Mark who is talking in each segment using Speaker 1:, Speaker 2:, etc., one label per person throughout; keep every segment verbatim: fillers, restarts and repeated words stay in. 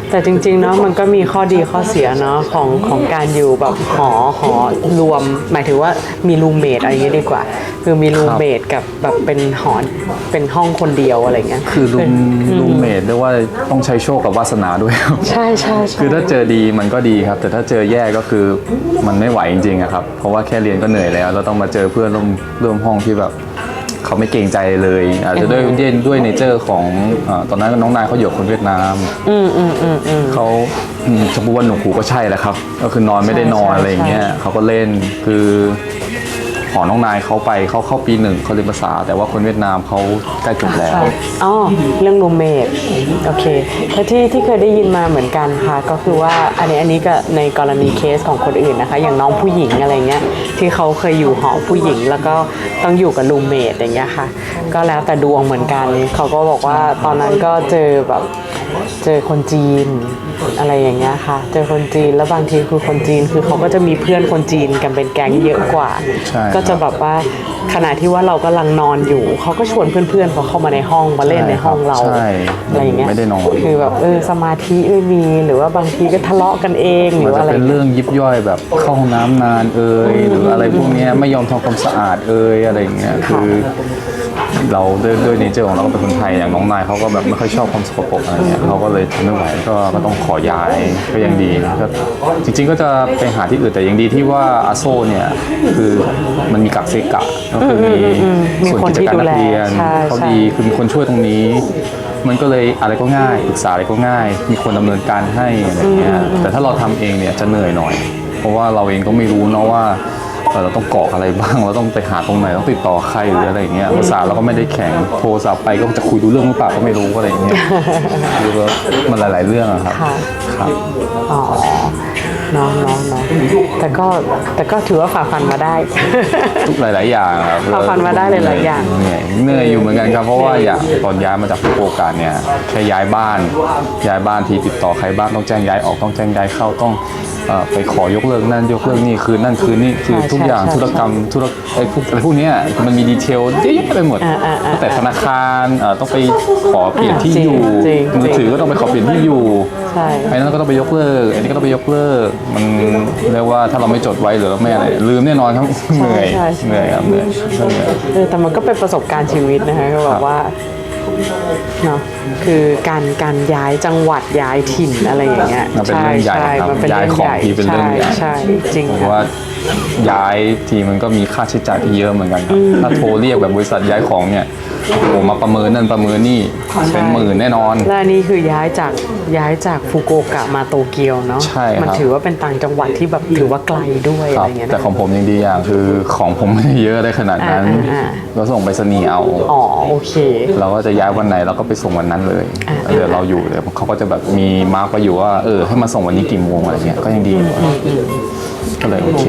Speaker 1: แต่จริงๆเนาะมันก็มีข้อดีข้อเสียเนาะของของการอยู่แบบหอหอรวมหมายถึงว่ามีรูมเมทอะไรอย่างเงี้ยดีกว่าคือมีรูมเมทกับแบบเป็นหอเป็นห้องคนเดียวอะไรเงี้ย
Speaker 2: คือรูมรูมเมทเรียกว่าต้องใช้โชคกับวาสนาด้วยครับ
Speaker 1: ใช่ใช่
Speaker 2: คือถ้าเจอดีมันก็ดีครับแต่ถ้าเจอแย่ก็คือมันไม่ไหวจริงๆครับเพราะว่าแค่เรียนก็เหนื่อยแล้วเราต้องมาเจอเพื่อนร่วมร่วมห้องที่แบบเขาไม่เกรงใจเลยอาจจะด้วยด้วยด้วยเนเจอร์ของตอนนั้นน้องนายเขาอยู่คนเวียดนาม
Speaker 1: อืมอืมอืมอืม
Speaker 2: เขาจะพูดว่าหนูหูก็ใช่แหละครับก็คือนอนไม่ได้นอนอะไรอย่างเงี้ยเขาก็เล่นคือหอน้องนายเขาไปเขาเข้าปีหนึ่งเขาเรียนภาษาแต่ว่าคนเวียดนามเขาใกล้จบแล้ว
Speaker 1: อ๋อเรื่องรูมเมทโอเคแต่ที่ที่เคยได้ยินมาเหมือนกันค่ะก็คือว่าอันนี้อันนี้ก็ในกรณีเคสของคนอื่นนะคะอย่างน้องผู้หญิงอะไรเงี้ยที่เขาเคยอยู่หอผู้หญิงแล้วก็ต้องอยู่กับรูมเมทอย่างเงี้ยค่ะก็แล้วแต่ดวงเหมือนกันเขาก็บอกว่าตอนนั้นก็เจอแบบเจอคนจีนอะไรอย่างเงี้ยค่ะเจอคนจีนแล้วบางทีคือคนจีนคือเขาก็จะมีเพื่อนคนจีนกันเป็นแก๊งเยอะกว่าก็จะแบบว่าขณะที่ว่าเรากำลังนอนอยู่เขาก็ชวนเพื่อนๆเขาเข้ามาในห้องมาเล่นในห้องเราอะไรอย่างเงี้ย
Speaker 2: ไม่ได้นอน
Speaker 1: คือแบบเออสมาธิไม่มีหรือว่าบางทีก็ทะเลาะกันเองหรือว่าอะไร
Speaker 2: เป็นเรื่องยิบย่อยแบบเข้าห้องน้ำนานเอ่ยหรืออะไรพวกนี้ไม่ยอมทำความสะอาดเอ่ยอะไรอย่างเงี้ยคือเราด้วยด้วยเนเจอร์ของเราก็เป็นคนไทยอย่างน้องนายเขาก็แบบไม่ค่อยชอบความสกปรกอะไรเงี้ยเขาก็เลยทนไม่ไหวก็ก็ต้องขอย้ายก็ยังดีก็จริงๆก็จะไปหาที่อื่นแต่ยังดีที่ว่าอาโซเนี่ยคือมันมีกักเซกะก็คือมีส่วนกิจการนักเรียนเขาดีคือมีคนช่วยตรงนี้มันก็เลยอะไรก็ง่ายปรึกษาอะไรก็ง่ายมีคนดำเนินการให้อะไรเงี้ยแต่ถ้าเราทำเองเนี่ยจะเหนื่อยหน่อยเพราะว่าเราเองก็ไม่รู้เนาะว่าเราต้องกรอกอะไรบ้างเราต้องไปหาตรงไหนต้องติดต่อใครหรืออะไรอย่างเงี้ยภาษาเราก็ไม่ได้แข็งโทรศัพท์ไปก็จะคุยดูเรื่องหรือเปล่าก็ไม่รู้อะไรอย่างเงี้ยคือว่ามันหลายๆเรื่องอะครับครับ
Speaker 1: อ๋อน้องน้องน้องแต่ก็แต่ก็ถือว่าฝ่าฟันมาได้
Speaker 2: ทุกหลายๆอย่างครับ
Speaker 1: ฝ่าฟันมาได้หลายๆอย่าง
Speaker 2: เหนื่อยเหนื่อยอยู่เหมือนกันครับเพราะว่าอย่างตอนย้ายมาจากฟุกุโอกะเนี่ยแค่ย้ายบ้านย้ายบ้านทีติดต่อใครบ้างต้องแจ้งย้ายออกต้องแจ้งย้ายเข้าต้องไปขอยกเลิกนั่นยกเลิกนี่คือนั่นคือนี่คือทุกอย่างธุรกรรมธุรไอ้พวกอะไรพวกนี้มันมีดีเทลเยอะแยะไปหมดตั้งแต่ธนาคารต้องไปขอเปลี่ยนที่อยู่มือถือก็ต้องไปขอเปลี่ยนที่อยู่ไอ้นั่นก็ต้องไปยกเลิกไอ้นี่ก็ต้องไปยกเลิกมันเรียกว่าถ้าเราไม่จดไว้หรือเราไม่อะไรลืมแน่นอนครับเหนื่อยเหนื่อยครับเหนื่อย
Speaker 1: เออแต่มันก็เป็นประสบการณ์ชีวิตนะคะก็บอกว่าเนาะคือการการย้ายจังหวัดย้ายถิ่นอะไรอย่างเงี้ย
Speaker 2: ใช่ใช่
Speaker 1: มันเป็น
Speaker 2: เรื่องใหญ่ย้ายของทีเป็นเรื่องใหญ่
Speaker 1: ใช่จริง
Speaker 2: เพราะว่าย้ายทีมันก็มีค่าใช้จ่ายที่เยอะเหมือนกันครับถ้าโทรเรียกแบบบริษัทย้ายของเนี่ยโอ้มาประเมินนั่นประเมินนี่เป็นหมื่นแน่นอน
Speaker 1: และนี่คือย้ายจากย้ายจากฟุกุโอกะมาโตเกียวเนาะ
Speaker 2: ใช่ครับ
Speaker 1: มันถือว่าเป็นต่างจังหวัดที่แบบถือว่าไกลด้วยอะไรเงี้ย
Speaker 2: แต่ของผมยังดีอย่างคือของผมไม่ได้เยอะได้ขนาดนั้นเราส่งไปสนีเอา
Speaker 1: อ๋อโอเค
Speaker 2: เราก็จะย้ายวันไหนเราก็ไปส่งวันนั้นเลยเดี๋ยวเราอยู่เดี๋ยวเขาก็จะแบบมีมาร์กไปอยู่ว่าเออให้มาส่งวันนี้กี่โมงอะไรเงี้ยก็ยังดีก็เลยโอเค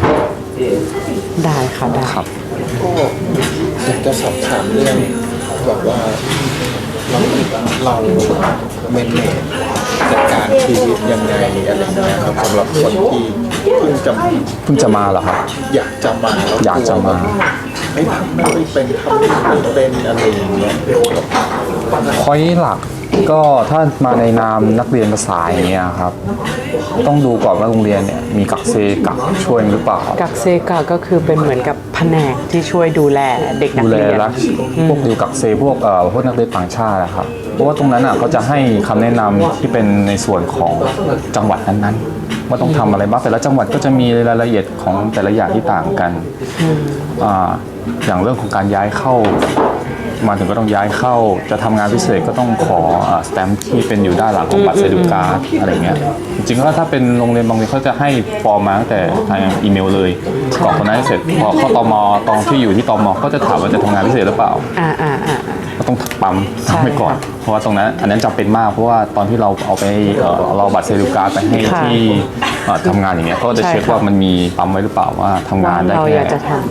Speaker 1: ได้ค่ะได้
Speaker 2: ครับ
Speaker 3: อยากจะสอบถามเรื่องแบบว่าเราเราเมนเนจจัดการชีวิตยังไงอะไรเงี้ยครับสำหรับคนที่เพิ่งจะ
Speaker 2: เพิ่งจะมาเหรอครับ
Speaker 3: อยากจะมา
Speaker 2: อยากจะมา
Speaker 3: ไม่ทำไม่เป็นทำไม่เป็นอะไรอย่างเงี้ย
Speaker 2: พอยต์หลักก็ถ้ามาในนามนักเรียนภาษาอย่างเงี้ยครับต้องดูก่อนว่าโรงเรียนเนี่ยมีกักเซกักช่วยหรือเปล่า
Speaker 1: กักเซกักก็คือเป็นเหมือนกับแผนกที่ช่วยดูแลเด็กนักเรียน
Speaker 2: พวกดูกักเซพวกเอ่อพวกนักเรียนต่างชาตินะครับเพราะว่าตรงนั้นอ่ะเขาจะให้คำแนะนำที่เป็นในส่วนของจังหวัดนั้นๆว่าต้องทำอะไรบ้างแต่ละจังหวัดก็จะมีรายละเอียดของแต่ละอย่างที่ต่างกันอ่าอย่างเรื่องของการย้ายเข้ามาถึงก็ต้องย้ายเข้าจะทำงานพิเศษก็ต้องขอสแตมป์ที่เป็นอยู่ด้านหลังของบัตรเซดูการ์ดอะไรเงี้ยจริงๆแล้วถ้าเป็นโรงเรียนบางโรงเรียนเขาจะให้ฟอร์มมาตั้งแต่ทางอีเมลเลยกรอกคนนั้นเสร็จพอเข้าตมตอนที่อยู่ที่ตมก็จะถามว่าจะทำงานพิเศษหรือเปล่า
Speaker 1: อ่าอ่าอ่า
Speaker 2: ก็ต้องปั๊มทำไปก่อนเพราะว่าตรงนั้นอันนั้นจำเป็นมากเพราะว่าตอนที่เราเอาไปเราบัตรเซดูการ์ดไปให้ที่ทำงานอย่างเงี้ยก็จะเช็คว่ามันมีปั๊มไว้หรือเปล่าว่าทำงานได้แค่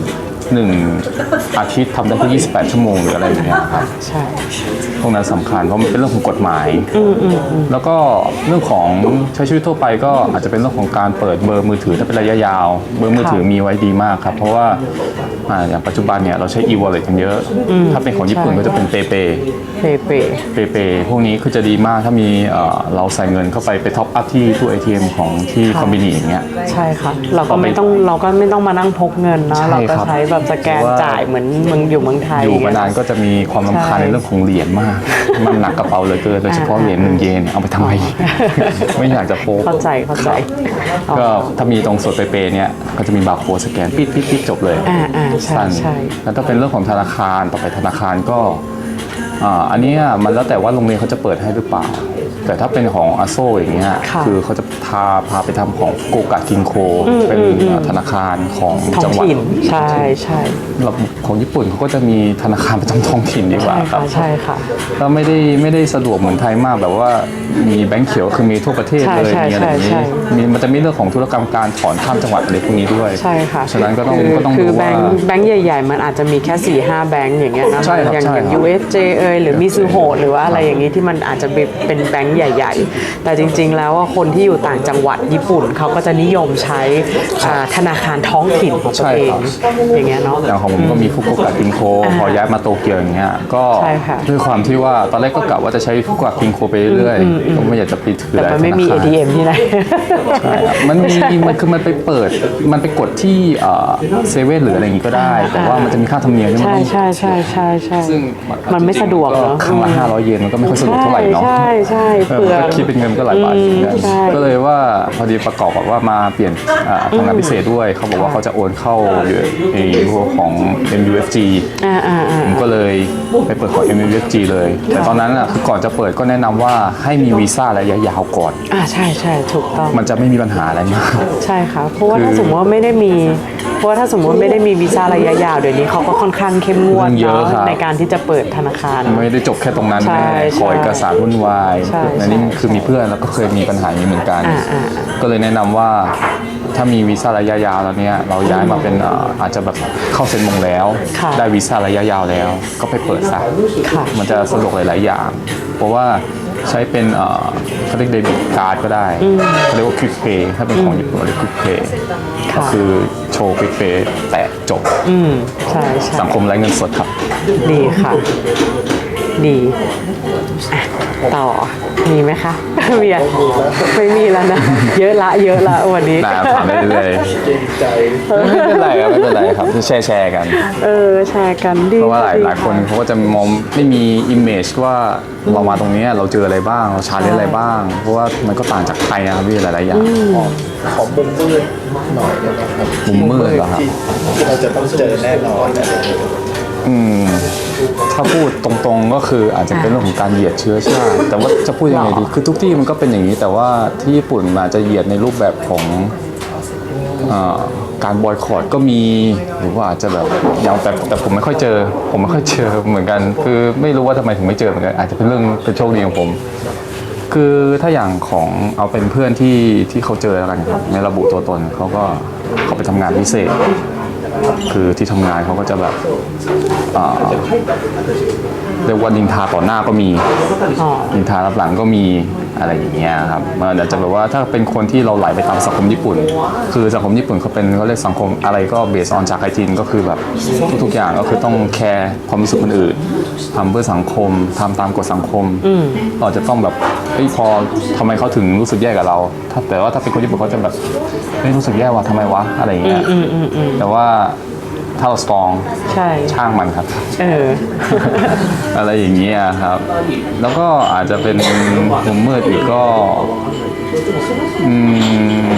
Speaker 2: หนึ่งอาทิตย์ทำได้แค่ยี่สิบแปดชั่วโมงหรืออะไรอย่างเงี้ยครับ
Speaker 1: ใช่
Speaker 2: พวกนั้นสำคัญเพราะมันเป็นเรื่องของกฎหมาย แล้วก็เรื่องของใช้ชีวิตทั่วไปก็อาจจะเป็นเรื่องของการเปิดเบอร์มือถือถ้าเป็นระยะยาว เบอร์มือถือมีไว้ดีมากครับ เพราะว่าอ่าอย่างปัจจุบันเนี่ยเราใช้ e-wallet กันเยอะ ถ้าเป็นของญี่ปุ่นก็จะเป็น PayPay
Speaker 1: เปเป
Speaker 2: PayPay พวกนี้คือจะดีมากถ้ามีเอ่อเราใส่เงินเข้าไปไปท็อปอัพที่ตู้ เอ ที เอ็ม ของที่คอมบินีอย่างเงี้ย
Speaker 1: ใช่ค่ะ เราก็ไม่ต้องเราก็ไม่ต้องมานั่งพกเงินเนาะ
Speaker 2: ใช่
Speaker 1: เราก็
Speaker 2: ครับ
Speaker 1: ใช้แบบสแกน
Speaker 2: เพราะว่า
Speaker 1: จ่ายเหมือนเมืองอยู่เมืองไทย
Speaker 2: อยู่มานานก็จะมีความรำคาญ
Speaker 1: ใช่
Speaker 2: ในเรื่องของเหรียญมาก มันหนักกระเป๋าเหลยเกินโดยเฉพาะเหรียญหนึ่งเยนเอาไปทำไม ไม่อยากจะพก
Speaker 1: เข้าใจเข้าใจ
Speaker 2: ก็ถ้ามีตรงส่วนเปย์เนี่ยก็จะมีบาร์โค้ดสแกนปิดปิดปิดจบเลย
Speaker 1: อ่าอ่าใช่
Speaker 2: สั้น
Speaker 1: ใช่
Speaker 2: แล้วถ้าเป็นเรื่องของธนาคารต่อไปธนาคารก็อ่าอันเนี้ยมันแล้วแต่ว่าโรงเรียนเขาจะเปิดให้หรือเปล่า แต่ถ้าเป็นของอาโซอย่างเงี้ย
Speaker 1: ค่ะ
Speaker 2: คือเขาจะพาพาไปทำของโกกะกินโค เป็นธนาคารของ
Speaker 1: ท้อ
Speaker 2: จั
Speaker 1: ง
Speaker 2: งหวัด
Speaker 1: ถิ่นใช่ใช่
Speaker 2: ระบบของญี่ปุ่นเขาก็จะมีธนาคารประจำท้องถิ่นดีกว่า
Speaker 1: ใช่
Speaker 2: ครั
Speaker 1: ค่ะ
Speaker 2: บ
Speaker 1: ใช่ค่ะ
Speaker 2: ก็ไม่ได้ไม่ได้สะดวกเหมือนไทยมากแบบว่ามีแบงค์เขียวคือมีทั่วประเทศ
Speaker 1: ใช่
Speaker 2: เลย
Speaker 1: ใช่
Speaker 2: มีอะไรอย่าง
Speaker 1: ใช่
Speaker 2: นี้
Speaker 1: ใช่
Speaker 2: มีมันจะมีเรื่องของธุรกรรมการถอนข้ามจังหวัดอะไรพวกนี้ด้วย
Speaker 1: ใช่ค่ะ
Speaker 2: ฉะนั้นก็ต้อง
Speaker 1: คือ
Speaker 2: ก็ต้อง
Speaker 1: คื
Speaker 2: ดู
Speaker 1: อแบ
Speaker 2: ว่า
Speaker 1: งค์แบงค์ใหญ่ๆ มันอาจจะมีแค่สี่ห้าแบงค์อย่างเงี้ยนะ
Speaker 2: ใช่ครับ
Speaker 1: อย่าง
Speaker 2: ใช่
Speaker 1: อย่าง
Speaker 2: ครับ
Speaker 1: ยู เอส เจ เอยหรือมิซูโฮหรือว่าอะไรอย่างงี้ที่มันอาจจะเป็นแบงค์ใหญ่ๆ แต่จริงๆแล้วว่าคนที่อยู่ต่างจังหวัดญี่ปุ่นเขาก็จะนิยมใช้อ่าธนาคารท้องถิ่นของตัวเองอย่างเงี้ยเนาะ
Speaker 2: อย่างของผมก็มีฟุกุโอกะกินโคพอย้ายมาโตเกียวอย่างเงี้ยก็
Speaker 1: ใช่ค่ะ
Speaker 2: ด้วยความที่ว่าตอนแรกก็กะว่าจะใใช้ฟุกุโอกะกินโคไปเรื่อยๆก็ไม่อยากจะปิดถือ
Speaker 1: แต่มันไม่มี
Speaker 2: ธ
Speaker 1: เอ
Speaker 2: นาคาร
Speaker 1: ทีเอ็ม ที่ไหน
Speaker 2: ใช่ครับมันมีมันคือมันไปเปิดมันไปกดที่เซเว่นหรืออะไรอย่างงี้ก็ได้ แต่ว่ามันจะมีค่าธรรมเนียมที่มัน
Speaker 1: ใช่
Speaker 2: ต้อง
Speaker 1: ใช่ใช่ใช่ใช่
Speaker 2: ซึ่ง
Speaker 1: มันไม่สะดวก
Speaker 2: ก็
Speaker 1: เนาะ
Speaker 2: ครั้งละห้าร้อยเยนมันก็ไม่ค่อยสะดวกเท่าไหร่เนาะ
Speaker 1: ใช่ใช่
Speaker 2: เออ
Speaker 1: เปลื
Speaker 2: มัน
Speaker 1: อง
Speaker 2: ก็คิดเป็นเงินก็หลายบาทเหมือนกัน
Speaker 1: ใช่
Speaker 2: ก็เลยว่าพอดีประกอบกับว่ามาเปลี่ยนอ่าทำงานพิเศษด้วยเขาบอกว่าเขาจะโอนเข้าไอ้พวกของ เอ็ม ยู เอฟ จี
Speaker 1: อ่าอ่าอ่า
Speaker 2: ผมก็เลยไปเปิดของ เอ็ม ยู เอฟ จี เลย แต่ตอนนั้นอ่ะคือก่อนจะเปิดก็แนะนำว่าให้มีวีซ่าระยะยาวก่อน
Speaker 1: อ่าใช่ใช่ถูกต้อง
Speaker 2: มันจะไม่มีปัญหาอะไรมาก
Speaker 1: ใช่ค่ะ เพราะว่า
Speaker 2: คือ
Speaker 1: ถ้าสมมติว่าไม่ได้มี เพราะว่าถ้าสมมติว่าไม่ได้มีวีซ่าระยะยาวเดี๋ยวนี้เขาก็ค่อนข้างเข้มงวด
Speaker 2: เรื่องเยอะ
Speaker 1: เนาะ
Speaker 2: ครับ
Speaker 1: ในการที่จะเปิดธนาคาร
Speaker 2: ไม่ได้จบแค่ตรงนั้น
Speaker 1: ใช่
Speaker 2: แน่ขอเอกสารวุ่นวาย
Speaker 1: ใช่
Speaker 2: อันนี้
Speaker 1: ใช่
Speaker 2: คือมีเพื่อนแล้วก็เคยมีปัญหาอย่างนี้เหมือนกัน
Speaker 1: อ่าอ่า
Speaker 2: ก็เลยแนะนำว่าถ้ามีวีซ่าระยะยาวแล้วเนี่ยเราย้ายมาเป็นเอ่ออาจจะแบบเข้าเซ็นมงแล้ว
Speaker 1: ค่ะ
Speaker 2: ได้วีซ่าระยะยาวแล้ว ก็ไปเปิดซะ
Speaker 1: ค่ะ
Speaker 2: มันจะสะดวกหลาย ๆ อย่าง เพราะว่าใช้เป็นเอ่อเขาเรียกเดบิตการ์ดก็ได้เขาเรียกว่าควิกเพย์ถ้าเป็นของญี่ปุ่นเรียกควิกเพย์
Speaker 1: ค่ะ
Speaker 2: ก็คือโชว์ควิกเพย์แตะจบ
Speaker 1: อืมใช่ใช่
Speaker 2: สังคมไร้เงินสดครับ
Speaker 1: ดีค่ะ ดีอ่ะต่อมีไหมคะ มีอ่ะไม่มีแล้วนะ เยอะละเยอะละวันนี้
Speaker 2: ได้ถามได้เลย
Speaker 3: เกรงใจ
Speaker 2: ไม่เป็นไรครับไม่เป็นไรครับแชร์แชร์กัน
Speaker 1: เออแชร์กันดี
Speaker 2: เพราะว่าหลาย
Speaker 1: ดี
Speaker 2: หลายคนเขาก็จะมองไม่มีอิมเมจว่าเรามาตรงนี้เราเจออะไรบ้าง เราชาเลนจ์อะไรบ้าง เพราะว่ามันก็ต่างจากไทยนะครับพี่หลาย ๆ อย่าง
Speaker 3: ขอมุมมืดหน่อยได้ไหมครับ
Speaker 2: มุมมืดเหรอครับ
Speaker 3: ที่ที่เราจะต้องเจอแน่นอนอะไรอย่างเงี้ย
Speaker 2: อืมถ้าพูดตรงๆก็คืออาจจะเป็นเรื่องของการเหยียดเชื้อชาติ แต่ว่าจะพูดยังไงดีคือทุกที่มันก็เป็นอย่างนี้ แต่ว่าที่ญี่ปุ่นมันอาจจะเหยียดในรูปแบบของเอ่อการบอยคอตก็มีหรือว่าอาจจะแบบอย่างแต่แต่ผมไม่ค่อยเจอ ผมไม่ค่อยเจอเหมือนกัน คือไม่รู้ว่าทำไมถึงไม่เจอเหมือนกันอาจจะเป็นเรื่องเป็นโชคดีของผม คือถ้าอย่างของเอาเป็นเพื่อนที่ที่เขาเจอแล้วกันครับไม่ระบุตัวตนเขาก็เขาไปทำงานพิเศษ คือที่ทำงานเขาก็จะแบบเอ่อเรียกว่านินทาต่อหน้าก็มี
Speaker 1: อ๋อ
Speaker 2: นินทารับหลังก็มีอะไรอย่างเงี้ยครับมันอาจจะแบบว่าถ้าเป็นคนที่เราไหลไปตามสังคมญี่ปุ่น คือสังคมญี่ปุ่นเขาเป็นเขาเรียกสังคมอะไรก็เบสออนจากไคจินก็คือแบบทุกๆอย่างก็คือต้องแคร์ความรู้สึกคนอื่นทำเพื่อสังคมทำตามกฎสังคมเราจะต้องแบบเฮ้ยพอทำไมเขาถึงรู้สึกแย่กับเราถ้าแต่ว่าถ้าเป็นคนญี่ปุ่นเขาจะแบบเฮ้ยรู้สึกแย่ว่ะทำไมวะอะไรอย่างเงี้ยแต่ว่าถ้าเราสตรอง
Speaker 1: ใช่
Speaker 2: ช่างมันครับ
Speaker 1: เออ
Speaker 2: อะไรอย่างเงี้ยครับ แล้วก็อาจจะเป็นมุมมืดอีกก็อืม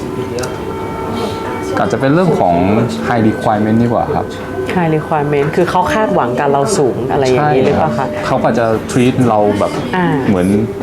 Speaker 2: อาจจะเป็นเรื่องของ high requirement ดีกว่าครับ
Speaker 1: high requirement คือเขาคาดหวังกับเราสูงอะไรอย่างนี้หรือเปล่าคะ
Speaker 2: เขาก็จะ treat เราแบบ
Speaker 1: อ่า
Speaker 2: เหมือนท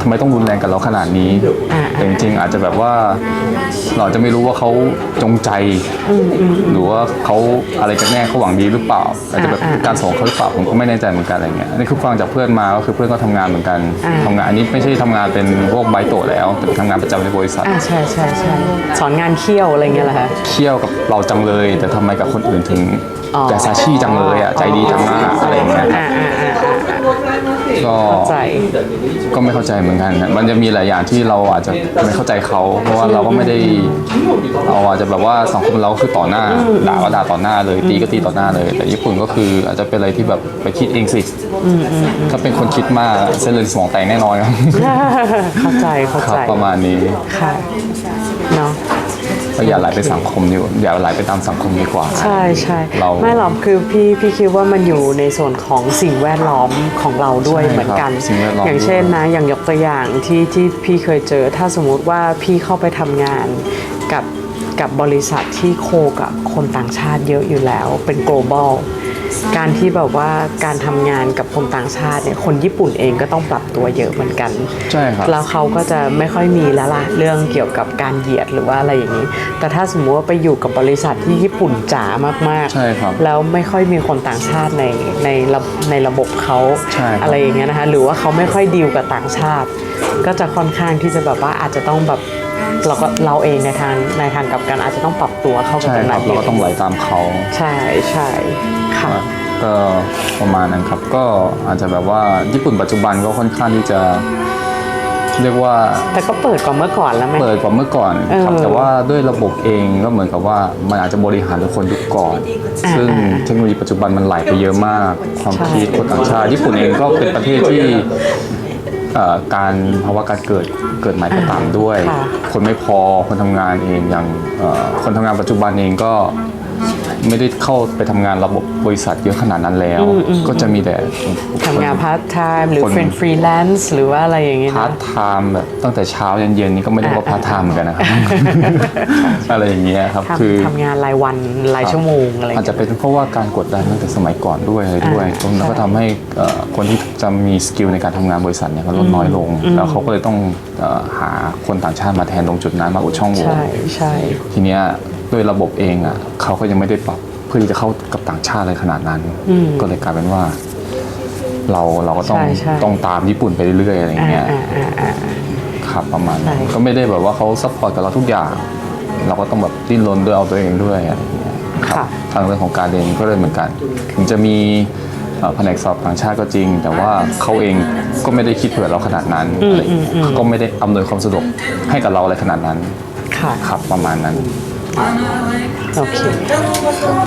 Speaker 2: ทำไมต้องรุนแรงกับเราขนาดนี้
Speaker 1: อ่า
Speaker 2: แต่จริงๆอาจจะแบบว่าเราจะไม่รู้ว่าเขาจงใจหรือว่าเขาอะไรกันแน่เขาหวังดีหรือเปล่าอาจจะแบบ
Speaker 1: อ่า
Speaker 2: การส่งเขาหรือเปล่าผมก็ไม่แน่ใจเหมือนกันอะไรเงี้ยอันนี่คือฟังจากเพื่อนมาก็คือเพื่อนก็ทำงานเหมือนกัน
Speaker 1: อ่า
Speaker 2: ทำงานอันนี้ไม่ใช่ทำงานเป็นพวกไบโตะแล้วแต่เป็นทำงานประจำในบริษัท
Speaker 1: อ่าใช่ใช่ใช่สอนงานเคี่ยวอะไรเงี้ยเหรอคะ
Speaker 2: เคี่ยวกับเราจังเลย แต่ทำไมกับคนอื่นถึง
Speaker 1: อ๋อ
Speaker 2: แกซาชิจังเลยอ่ะใจดีจังมากอะไรเงี้ย
Speaker 1: อ่าอ่าอ่าอ่า
Speaker 2: ก็
Speaker 1: เข้าใจ
Speaker 2: ก็ไม่เข้าใจเหมือนกันนะมันจะมีหลายอย่างที่เราอาจจะไม่เข้าใจเขาเพราะว่าเราก็ไม่ได้เราอาจจะแบบว่าสังคมเราก็คือต่อหน้าด่าก็ด่าต่อหน้าเลยตีก็ตีต่อหน้าเลย แต่ญี่ปุ่นก็คืออาจจะเป็นอะไรที่แบบไปคิดเองสิถ้าเป็นคนคิดมากเส้นเลือดสมองแตกแน่นอนครับ
Speaker 1: เข้าใจเข้า
Speaker 2: ครั
Speaker 1: ใจ
Speaker 2: บประมาณนี้
Speaker 1: ค่ะเนาะ
Speaker 2: ก็อย่าไหลไปสังคมดีกว่าอย่าไหลไปตามสังคมดีกว่า
Speaker 1: ใช่ใช่
Speaker 2: เรา
Speaker 1: ไม่หรอกคือพี่พี่คิดว่ามันอยู่ในส่วนของสิ่งแวดล้อมของเราด้วย
Speaker 2: ใช่ครับ
Speaker 1: เหมือนกัน
Speaker 2: สิ่งแวดล้อม
Speaker 1: อย่างเช่นนะอย่างยกตัวอย่างที่ที่พี่เคยเจอ ถ้าสมมุติว่าพี่เข้าไปทำงานกับกับบริษัทที่โคกับคนต่างชาติเยอะอยู่แล้วเป็น global การที่แบบว่าการทำงานกับคนต่างชาติเนี่ยคนญี่ปุ่นเองก็ต้องปรับตัวเยอะเหมือนกัน
Speaker 2: ใช่ครับ
Speaker 1: แล้วเขาก็จะไม่ค่อยมีแล้วล่ะเรื่องเกี่ยวกับการเหยียดหรือว่าอะไรอย่างนี้ แต่ถ้าสมมติว่าไปอยู่กับบริษัทที่ญี่ปุ่นจ๋ามาก
Speaker 2: ใช่ครับ
Speaker 1: แล้วไม่ค่อยมีคนต่างชาติในในระในระบบเขา
Speaker 2: ใช่ครับ
Speaker 1: อะไรอย่างเงี้ยนะคะหรือว่าเขาไม่ค่อยดีลกับต่างชาติ ก็จะค่อนข้างที่จะแบบว่าอาจจะต้องแบบเราก็เราเองในทางในทางกลับกันอาจจะต้องปรับตัวเข้ากับ
Speaker 2: ใช่
Speaker 1: ตรง
Speaker 2: ครั
Speaker 1: นั้
Speaker 2: บ
Speaker 1: น
Speaker 2: เราก็ต้องไหลตามเขา
Speaker 1: ใช่ใช่ค่ะ
Speaker 2: ก็ประมาณนั้นครับ ก็อาจจะแบบว่าญี่ปุ่นปัจจุบันก็ค่อนข้างที่จะเรียกว่า
Speaker 1: แต่ก็เปิดกว่าเมื่อก่อนแล้วไหม
Speaker 2: เปิดกว่าเมื่อก่อนครับ
Speaker 1: เออ
Speaker 2: แต่ว่าด้วยระบบเองก็เหมือนกับว่ามันอาจจะบริหารโดยคนยุคก่อน
Speaker 1: อ่า
Speaker 2: ซึ่งเทคโนโลยีปัจจุบันมันไหลไปเยอะมาก ความ
Speaker 1: ใช่
Speaker 2: คิดคนต่างชาติญี่ปุ่นเองก็เป็นประเทศที่เอ่อการภาวะการเกิดเกิดใหม่ก็ตามด้วย
Speaker 1: ค่ะ
Speaker 2: คนไม่พอคนทำงานเองอย่างเอ่อคนทำงานปัจจุบันเองก็ไม่ได้เข้าไปทำงานระบบบริษัทเยอะขนาดนั้นแล้ว ก็จะมีแต่
Speaker 1: ทำงานพาร์ทไทม์หรือ
Speaker 2: คน
Speaker 1: เป็นฟรีแลนซ์หรือว่าอะไรอย่างเงี้ย
Speaker 2: พาร์
Speaker 1: นะ
Speaker 2: ทไทม์แบบตั้งแต่เช้ายันเย็นนี่ก็ไม่ได้ว่าพาร์ทไทม์เหมือนกันนะครับ อะไรอย่างเงี้ยครับคือ
Speaker 1: ทำทำงานรายวันรายชั่วโมงอะไร
Speaker 2: อาจจะเป็นเพราะว่าการกดดันตั้งแต่สมัยก่อนด้วยอะไรด้วย
Speaker 1: อ่า
Speaker 2: ตรงนั้นก็ทำให้เอ่อคนที่จะมีสกิลในการทำงานบริษัทเนี่ยก็ลดน้อยลง แล้วเขาก็เลยต้องเอ่อหาคนต่างชาติมาแทนตรงจุดนั้นมาอุดช่องโหว่
Speaker 1: ใช่ใช่
Speaker 2: ทีเนี้ยด้วยระบบเองอ่ะเขาก็ยังไม่ได้ปรับเพื่อที่จะเข้ากับต่างชาติอะไรขนาดนั้น ก็เลยกลายเป็นว่า เราเราก็ต้อง
Speaker 1: ใช่ใช่
Speaker 2: ต้องตามญี่ปุ่นไปเรื่อยๆอะไรอย่าง
Speaker 1: อ่า
Speaker 2: เงี้ย
Speaker 1: อ่าอ่าอ่า
Speaker 2: ครับประมาณนั้น
Speaker 1: ใช่
Speaker 2: ก็ไม่ได้แบบว่าเขาซัพพอร์ตกับเราทุกอย่าง เราก็ต้องแบบดิ้นรนด้วยเอาตัวเองด้วยอะไรอย่างเงี้ยครับ
Speaker 1: ค่ะ
Speaker 2: ทางเรื่องของการเรียนก็เลยเหมือนกันถึงจะมีเอ่อแผนกสอบต่างชาติก็จริง แต่ว่าเขาเองก็ไม่ได้คิดเผื่อเราขนาดนั้นอะไรอย่างเงี้ยเขาก็ไม่ได้อำนวยความสะดวกให้กับเราอะไรขนาดนั้น
Speaker 1: ค่ะ
Speaker 2: ครับประมาณนั้น
Speaker 1: โอเค